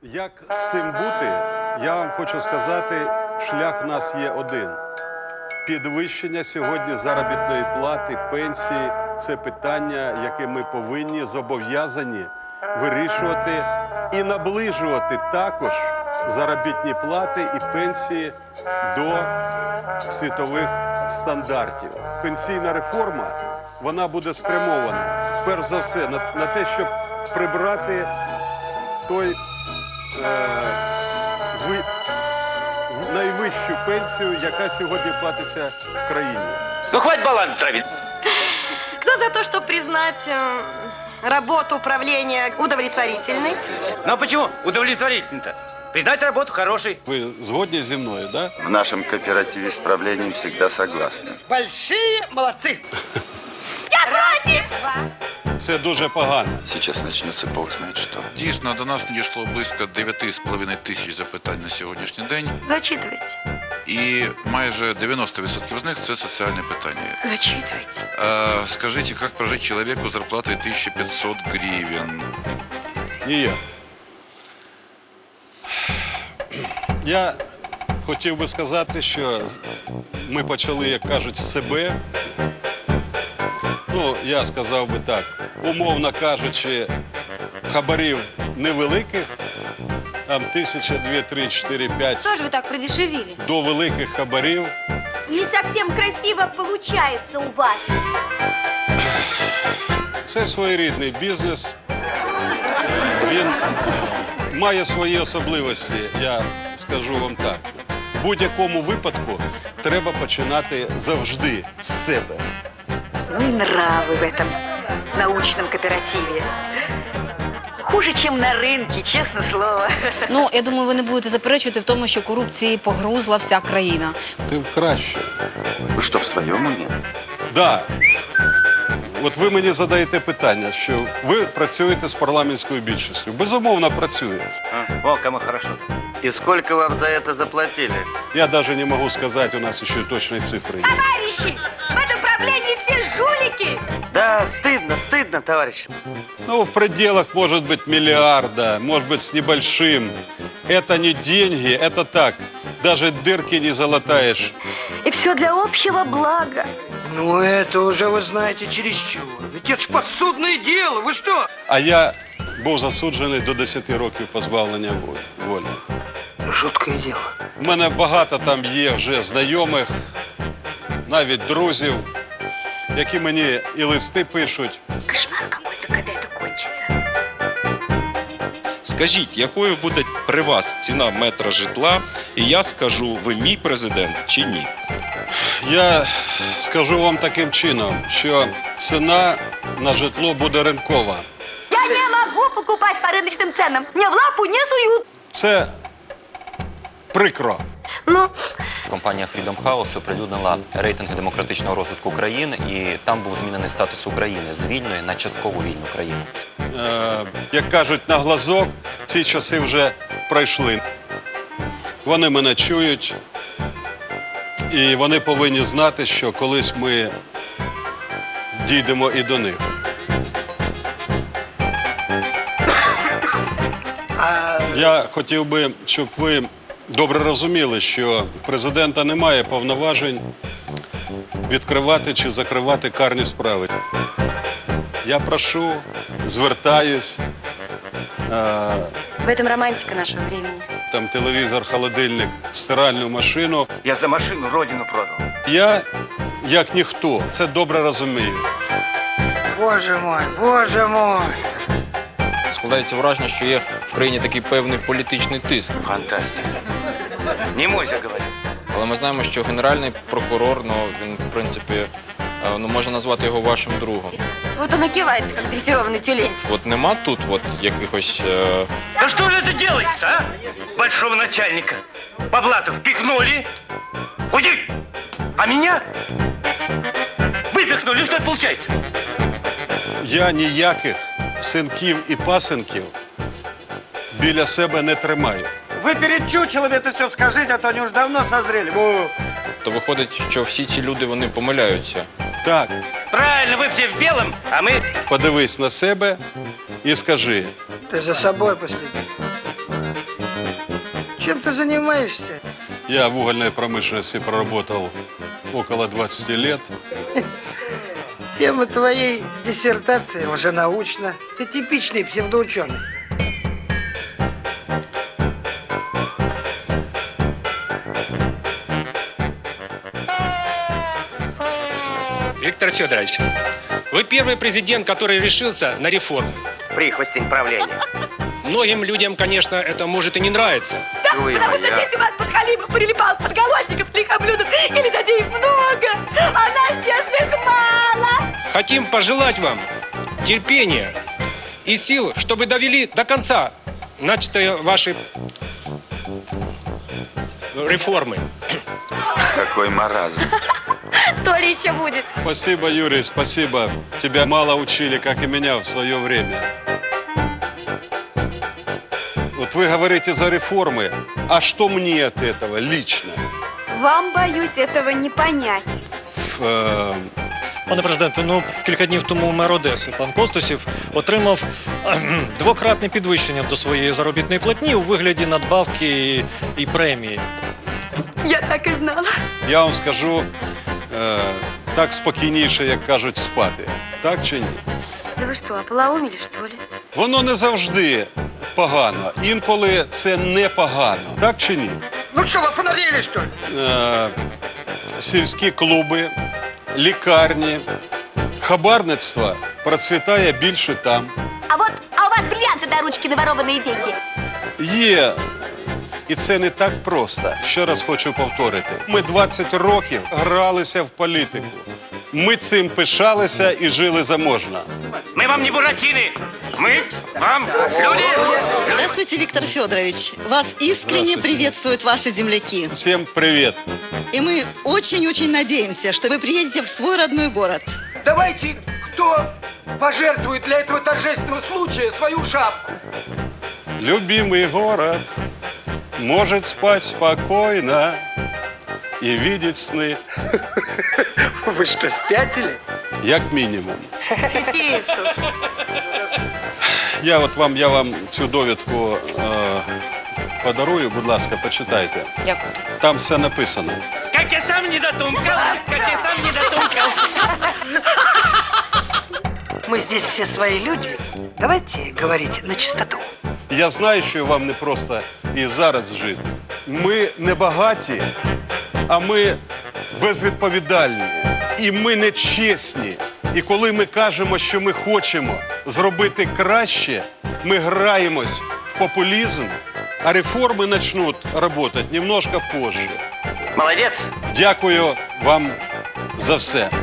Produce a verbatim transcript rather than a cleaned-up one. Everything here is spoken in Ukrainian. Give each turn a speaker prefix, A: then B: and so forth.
A: Як з цим бути, я вам хочу сказати, шлях в нас є один. Підвищення сьогодні заробітної плати, пенсії – це питання, яке ми повинні, зобов'язані вирішувати і наближувати також заробітні плати і пенсії до світових стандартів. Пенсійна реформа, вона буде спрямована, перш за все, на, на те, щоб прибрати той е, ви, найвищу пенсію, яка сьогодні платиться в країні.
B: Ну, хватит баланс травить.
C: Кто за то, чтобы признать э, работу управления удовлетворительной?
B: Ну, а почему удовлетворительно-то? Признать работу хорошей.
A: Ви згодні зі мною, да?
D: В нашем кооперативе с правлением всегда согласны.
B: Большие молодцы.
C: Я против!
A: Це дуже погано.
D: Сейчас начнется бог знает что.
E: Дійсно, до нас надійшло близько дев'ять з половиною тисяч запитань на сьогоднішній день.
C: Зачитывайте.
E: І майже дев'яносто відсотків з них – це соціальне питання.
C: Зачитывайте.
E: А, скажите, как прожить человеку с зарплатой тысяча пятьсот гривен?
A: Ніяк. Я хотів би сказати, що ми почали, як кажуть, з себе. Ну, я сказав би так, умовно кажучи, хабарів невеликих, там тисяча, дві, три, чотири, п'ять,
C: Что же вы так продешевили?
A: до великих хабарів.
F: Не совсем красиво получается у вас.
A: Це своєрідний бізнес. Він має свої особливості, я скажу вам так. В будь-якому випадку треба починати завжди з себе.
G: Ну и нравы в этом научном кооперативе. Хуже, чем на рынке, честное слово.
H: Ну, я думаю, ви не будете заперечувати в тому, що корупції погрузла вся країна.
A: Тим краще.
D: Вы что, в своем уме?
A: Да. От ви мені задаєте питання, що ви працюєте з парламентською більшістю. Безумовно, працюю.
B: А, о, кому хорошо.
I: И сколько вам за это заплатили?
A: Я навіть не можу сказати, у нас ще точної цифри є.
F: Товарищи, в этом правлении все жулики.
I: Да, стыдно, стыдно, товарищ.
A: Ну, в пределах, может быть, миллиарда, может быть, с небольшим. Это не деньги, это так. Даже дырки не залатаешь.
G: И все для общего блага.
J: Ну, это уже вы знаете чересчур. Ведь это ж подсудное дело, вы что?
A: А я був засуджений до десяти років позбавлення волі.
J: Жуткое дело.
A: У мене багато там є вже знайомих, навіть друзів, які мені і листи пишуть.
F: Кошмар какой-то, когда это кончится.
K: Скажіть, якою буде при вас ціна метра житла, і я скажу, ви мій президент чи ні?
A: Я скажу вам таким чином, що ціна на житло буде ринкова.
F: Я не могу покупать по рыночным ценам. Мне в лапу не суют.
A: Це прикро.
C: Ну,
L: Компанія Freedom House оприлюднила рейтинги демократичного розвитку країн, і там був змінений статус України з вільної на частково вільну країну.
A: Е, як кажуть, на глазок ці часи вже пройшли. Вони мене чують, і вони повинні знати, що колись ми дійдемо і до них. Я хотів би, щоб ви добре розуміли, що президента немає повноважень відкривати чи закривати карні справи. Я прошу, звертаюсь, е,
C: в этом романтика нашего времени.
A: там телевізор, холодильник, стиральну машину.
B: Я за машину родину продал.
A: Я, як ніхто, це добре розумію.
J: Боже мой, боже мой.
M: Складається враження, що є в країні такий певний політичний тиск.
B: Фантастика. Не мойся, говорю.
M: Але ми знаємо, що генеральний прокурор, ну, він, в принципі, е, ну, можна назвати його вашим другом.
C: Вот он и кивает, как дрессированный тюлень.
M: От нема тут от якихось... Е...
B: Да что же это делается, а? Большого начальника. По блату впихнули. Уйди! А меня выпихнули. Что это получается?
A: Я ніяких синків і пасенків біля себе не тримаю.
J: Вы перед чучелом это все скажите, а то они уж давно созрели. Во.
M: То виходить, що всі ці люди, вони помиляються.
A: Так,
B: Правильно, вы все в белом, а мы...
A: подивись на себе і скажи.
J: Ты за собой последи. Чем ты занимаешься?
A: Я в угольной промышленности проработал около двадцати лет.
J: Тема твоей диссертации лженаучна. Ты типичный псевдоученый.
N: Виктор Федорович, вы первый президент, который решился на реформу.
I: Прихвостень правления.
N: Многим людям, конечно, это может и не нравиться.
F: Да, потому что если вас подхалимов прилипал подголосников с лихоблюдов или затеев много, а нас честных мало.
N: Хотим пожелать вам терпения и сил, чтобы довели до конца начатые ваши реформы.
D: Какой маразм.
C: То ли еще будет.
A: Спасибо, Юрий, спасибо. Тебя мало учили, как и меня в свое время. Вот вы говорите за реформы, а что мне от этого лично?
F: Вам, боюсь, этого не понять.
A: Э,
O: Пане президенте, ну кілька днів тому мер Одеси, пан Костусів, отримав кхм, двократне підвищення до своєї заробітної платні у вигляді надбавки і, і премії.
F: Я так і знала.
A: Я вам скажу, е, так спокійніше, як кажуть, спати. Так чи ні?
F: Да вы что, ополоумели, что ли?
A: Воно не завжди погано. Інколи це не погано. Так чи ні?
J: Ну что, вы фонарили, что ли?
A: Е, сільські клуби, лікарні, хабарництво процвітає більше там.
F: А вот, а у вас бриллианты до ручки наворованные деньги.
A: Є. І це не так просто. Ще раз хочу повторити. Ми двадцять років гралися в політику. Ми цим пишалися і жили заможно.
B: Мы вам не буратины. Мы вам люди.
P: Здравствуйте, Виктор Федорович. Вас искренне приветствуют ваши земляки.
A: Всем привет.
P: И мы очень-очень надеемся, что вы приедете в свой родной город.
J: Давайте, кто пожертвует для этого торжественного случая свою шапку?
A: Любимый город может спать спокойно и видеть сны.
J: Вы что, спятили?
A: Як мінімум.
C: Тетису.
A: Я от вам, я вам цю довідку е, подарую, будь ласка, почитайте.
H: Дякую.
A: Там все написано.
B: Как я сам не дотумкал, как я сам не дотумкал.
J: Мы здесь все свои люди. Давайте говорить на чистоту.
A: Я знаю, що вам не просто і зараз жити. Ми не багаті, а ми безвідповідальні. І ми не чесні. І коли ми кажемо, що ми хочемо зробити краще, ми граємось в популізм, а реформи почнуть працювати немножко позже.
B: Молодец.
A: Дякую вам за все.